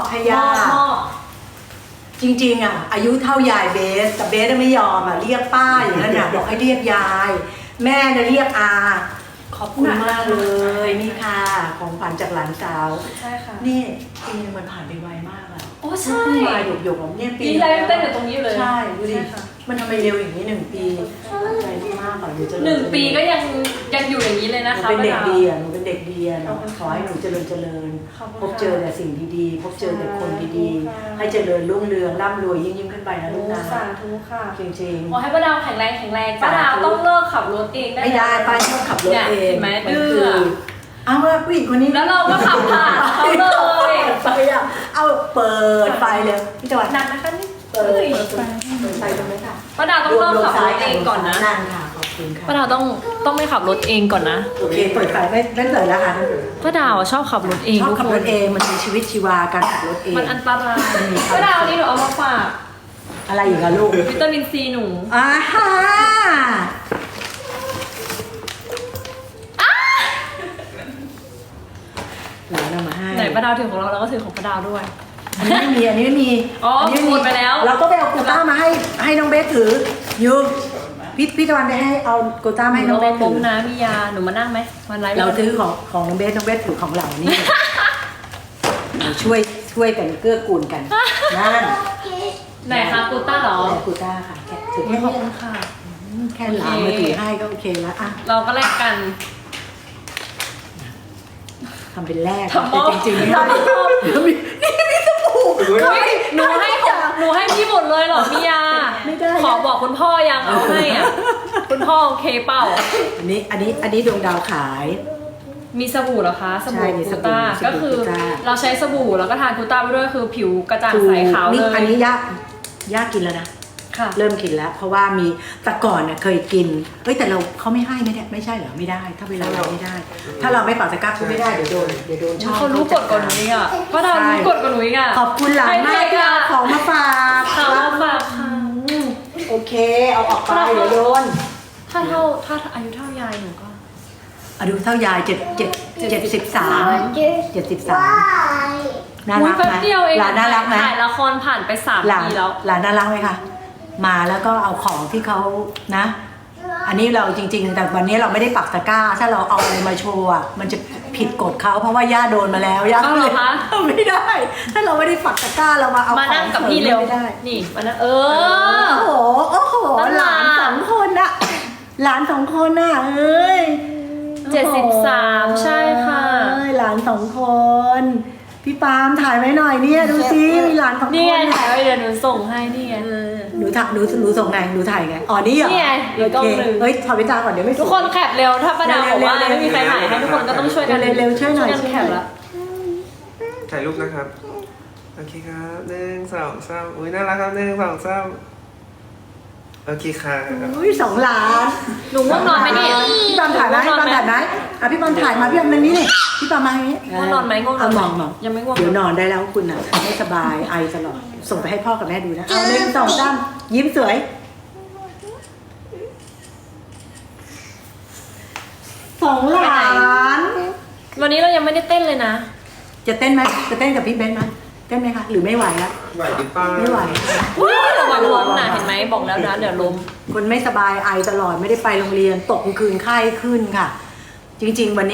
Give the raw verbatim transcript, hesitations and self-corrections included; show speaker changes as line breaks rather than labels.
ให้ย่าจริงๆอ่ะอายุเท่ายายเบสแต่เบสไม่ยอมอ่ะเรียกป้าอย่างนั้นน่ะบอกให้เรียกยาย แม่จะเรียกอาขอบคุณมากเลยนี่ค่ะของขวัญจากหลานสาว
ใช่ค่ะ
นี่ปีนึงมันผ่านไปไวมากอ่ะ
โอ้ใช่
มาหยกหยกของเนี่ยปี
ปีแรกเต้นอยู่ตรงนี้เลย
ใช่ดูดิมันทำไมเร็วอย่างนี้หนึ่งปีใจมากอ่ะอยู่เจริญ
หนึ่งปีก็ยังยังอยู่อย่างนี้เลยนะคะ
หนูเป็นเด็กดีอ่ะหนูเป็นเด็กดีอ่ะขอให้หนูเจริญเจริญพบเจอแต่สิ่งดีๆพบเจอแต่คนดีๆให้เจริญรุ่งเรืองร่ำรวยยิ่งยิ่งขึ้นไปนะลูกนะ
สาธุค่ะ
จริงๆ
ขอให้ป้าดาวแข็งแรงแข็งแรงป้าดาวต้องเลิกขับรถเองได้
ไม่ได้ป้าชอบขับรถเอง
ไหมดื้อ
เอาละผู้หญิงคนนี้
แล้วเราก็ขับผ่านเขาเลย
ไปอ่ะเอาเปิดไฟเลยพี่จวัด
หนักนะคะนี่
เปิดไฟตรงนี้ค่ะ
ป้าดาวต้องเลิกขับรถเองก่อนนะ
นั่นค่ะขอบคุณค่ะ
ป้าดาวต้องต้องไม่ขับรถเองก่อนนะ
โอเคเปิดไฟไม่ไม่เปิดแล้วค่ะ
ป้าดาวชอบขับรถเอง
ชอบขับรถเองมันมีชีวิตชีวาการขับรถเอง
มันอันตรายป้าดาวนี่หนูเอามาฝาก
อะไรอีกอะลูก
วิตามินซีหนู
อ่าฮะหลานเอามาให้
ไหนป้าดาวถือของเราเราก็ถือของป้าดาวด้วย
อันนี้ไม่มีอันนี้ไม่มี
อ๋อหมดไปแล้ว
เราก็ไปเอาโกต้ามาให้ให้น้องเบสถือยูพี่พี่ตะวันไปให้เอาโกต้ามาให้น้องเบสถือ
นะมียาหนูมานั่งไหมวันไร
เราถือของของน้องเบสน้องเบสถือของเรานี่เราช่วยช่วยกันเกื้อกูลกันนั่น
ไหนคะกูต้าหรอ
กูต้าค่ะแค่ถือแค่นี้ค่ะแค่หลานมาถือให้ก็โอเคแล้วอ่ะ
เราก็แลกกัน
ทำเป็นแรกแต่จริงๆไม่ได้นี่มีสบู่
หนูให้หนูให้พี่หมดเลยเหรอพี่ยา
ไม่ได้
ขอบอกคุณพ่อยังเอาให้อ่ะคุณพ่อโอเคเปล่า
อันนี้อันนี้อันนี้ดวงดาวขาย
มีสบู่เหรอคะสบู่กูต้าก็คือเราใช้สบู่แล้วก็ทานกูต้าไปด้วยคือผิวกระจ่างใสขาวเลย
อันนี้ยากยากกินแล้วนะเริ่มกินแล้วเพราะว่ามีแต่ก่อนเนี่ยเคยกินเอ้ยแต่เราเขาไม่ให้ไม่ได้ไม่ใช่เหรอไม่ได้ถ้าเวลาเราไม่ได้ ถ้าเราไม่ปักตะกร้าก็ไม่ได้เดี๋ยวโดนเดี๋ยวโดนช่อง
เขารู้กฎกว่าหนูอีกอ่ะป้าดาวรู้กฎกว่าหนูอีกอ่ะ
ขอบคุณหลานมากที่เอาของมาฝาก
ของมาฝากค่ะ
โอเคเอาออกไปเดี๋ยวโดน
ถ้าเท่าถ้าอายุเท่ายายหนูก็
อายุเท่ายายเจ็ดเจ็ดเจ็ดสิบสามเจ็ดสิบสามน่ารักไหมหลานน่ารักไหม
ถ่ายละครผ่านไปสามปีแล้ว
หลานน่ารักไหมคะมาแล้วก็เอาของที่เขานะ อันนี้เราจริงๆแต่วันนี้เราไม่ได้ปักตะกร้าถ้าเราเอาอะไรมาโชว์อ่ะมันจะผิดกฎเขาเพราะว่าย่าโดนมาแล้วย่า
ก็เลย
ไม่ได้ถ้าเราไม่ได้ปักตะกร้าเรามาเอา
มานั่งกับพี่เร็วนี่มานั่งเออ
โอ้โหโอ้โหหลานสองคนอะหลานสองคนอะเอ้ย
เจ็ดสิบสามใช่ค่ะ
หลานสองคนพี่ปาล์มถ่ายไว้หน่อยเนี่ยดูซิมีหลานสองคน
นี่ไงถ่ายไว้เดี๋ยวหนูส่งให้นี่ไง
หนูถ่ายหนูหนูส่งไงหนูถ่ายไงอ๋อนี่เหรอ
นี่ไง
โอเคเฮ้ยถอดวิจารณ์ก่อนเดี๋ยวไม่
ทุกคนแคปเร็วถ้าป้าดาวบอกว่าไม่มีใครถ่ายให้ทุกคนก็ต้องช่วยกัน
เร็วๆช่วยหน่อย
แคปแล้ว
ถ่ายรูปนะครับโอเคครับหนึ่งสองสามอุ้ยน่ารักครับหนึ่งสองสามโอเคค่ะ
อุ้ยสองล้าน
หนูง่วงนอนไหมนี่
พี่ปามถ่ายไหมพี่ปามถ่ายไหมอ่ะพี่ปามถ่ายมาพี่ปามมานี่นี่พี่ปามมาอย่างนี้
ง่วงนอนไหมง่วงนอน
มองมอง
ยังไม่ง่วง
เดี๋ยวนอนได้แล้วคุณอ่ะไม่สบายไอตลอดส่งไปให้พ่อกับแม่ดูนะเอาหนึ่งสองสามยิ้มสวยสองล้าน
วันนี้เรายังไม่ได้เต้นเลยนะ
จะเต้นไหมจะเต้นกับพี่เบนไหมเต้นไหมคะหรือไม่ไหวแล้ว
ไหวดิป้า
ไม่ไหว
ระวังล้มนะเห็นไหมบอกแล้วนะเดี๋ยวล้ม
คนไม่สบายไอตลอดไม่ได้ไปโรงเรียนตกกลางคืนไข้ขึ้นค่ะจริงๆวันนี้